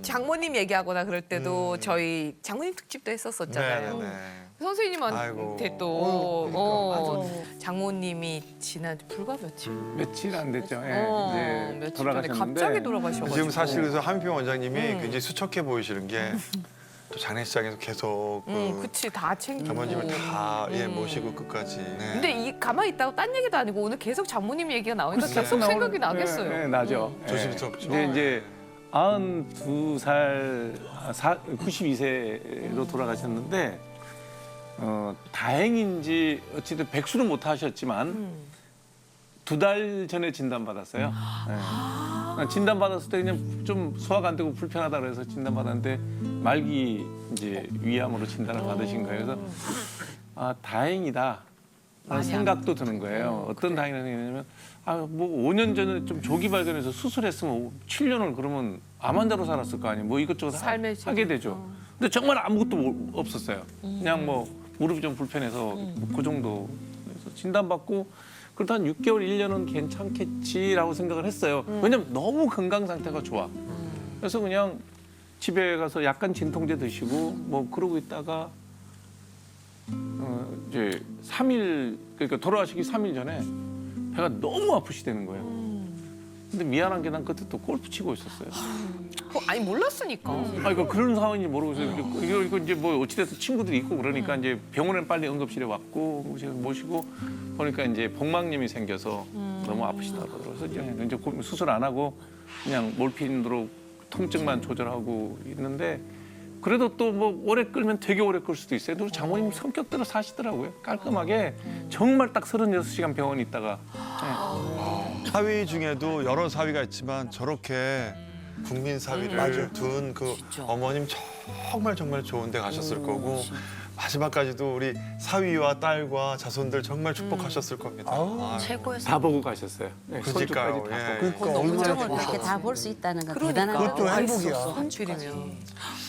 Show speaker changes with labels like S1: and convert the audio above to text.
S1: 장모님 얘기하거나 그럴 때도 저희 장모님 특집도 했었었잖아요.
S2: 네네.
S1: 선생님한테
S2: 아이고.
S1: 또
S3: 그러니까,
S1: 장모님이 지난 불과
S3: 며칠 안 됐죠. 예, 이제
S1: 며칠 전에
S3: 돌아가셨는데
S1: 갑자기 돌아가셔가지고
S2: 지금 사실 그래서 한표 원장님이 굉장히 수척해 보이시는 게 또 장례식장에서 계속
S1: 그치 다 챙기고
S2: 장모님을 다 모시고 끝까지. 네.
S1: 근데 이 가만히 있다고 딴 얘기도 아니고 오늘 계속 장모님 얘기가 나오니까 계속
S2: 나올-
S1: 생각이 나겠어요.
S3: 네, 나죠. 예.
S2: 조심스럽죠.
S3: 근데 이제 92살, 92세로 돌아가셨는데 다행인지 어쨌든 백수는 못 하셨지만 2달 전에 진단받았어요. 네. 진단받았을 때 그냥 좀 소화가 안 되고 불편하다 그래서 진단받았는데 말기 이제 위암으로 진단을 받으신 거예요. 그래서 아 다행이다. 라는 생각도 드는 거예요. 어떤 다행이냐면 뭐 5년 전에 좀 조기 발견해서 수술했으면 7년을 그러면 암 환자로 살았을 거 아니에요. 뭐 이것저것
S1: 삶의
S3: 하게 되죠. 근데 정말 아무것도 없었어요. 그냥 뭐 무릎이 좀 불편해서 그 정도. 그래서 진단받고 그래도 한 6개월, 1년은 괜찮겠지라고 생각을 했어요. 왜냐면 너무 건강 상태가 좋아. 그래서 그냥 집에 가서 약간 진통제 드시고 뭐 그러고 있다가 이제 3일 그러니까 돌아가시기 3일 전에 배가 너무 아프시다는 거예요. 근데 미안한 게 난 그때 또 골프 치고 있었어요.
S1: 아니 몰랐으니까.
S3: 그러니까 그런 상황인지 모르고 있어요. 이거 이제 뭐 어찌됐든 친구들이 있고 그러니까 이제 병원에 빨리 응급실에 왔고 모시고 보니까 이제 복막염이 생겨서 너무 아프시다고 그래서 이제 수술 안 하고 그냥 몰핀으로 통증만 조절하고 있는데 그래도 또 뭐 오래 끌면 되게 오래 끌 수도 있어요. 그리고 장모님 성격대로 사시더라고요. 깔끔하게 정말 딱 36시간 병원에 있다가
S2: 사위 중에도 여러 사위가 있지만 저렇게 국민 사위를 둔 그 어머님 정말 좋은 데 가셨을 거고 마지막까지도 우리 사위와 딸과 자손들 정말 축복하셨을 겁니다. 아유,
S4: 최고였어요.
S3: 다 보고 가셨어요. 네,
S2: 그러니까요.
S3: 손주까지 다
S2: 예.
S3: 보고.
S4: 그러니까 얼마나 그렇게 다 볼 수 있다는 건 대단한
S1: 그러니까.
S4: 거죠.
S1: 그것도 행복이야. 손주이면.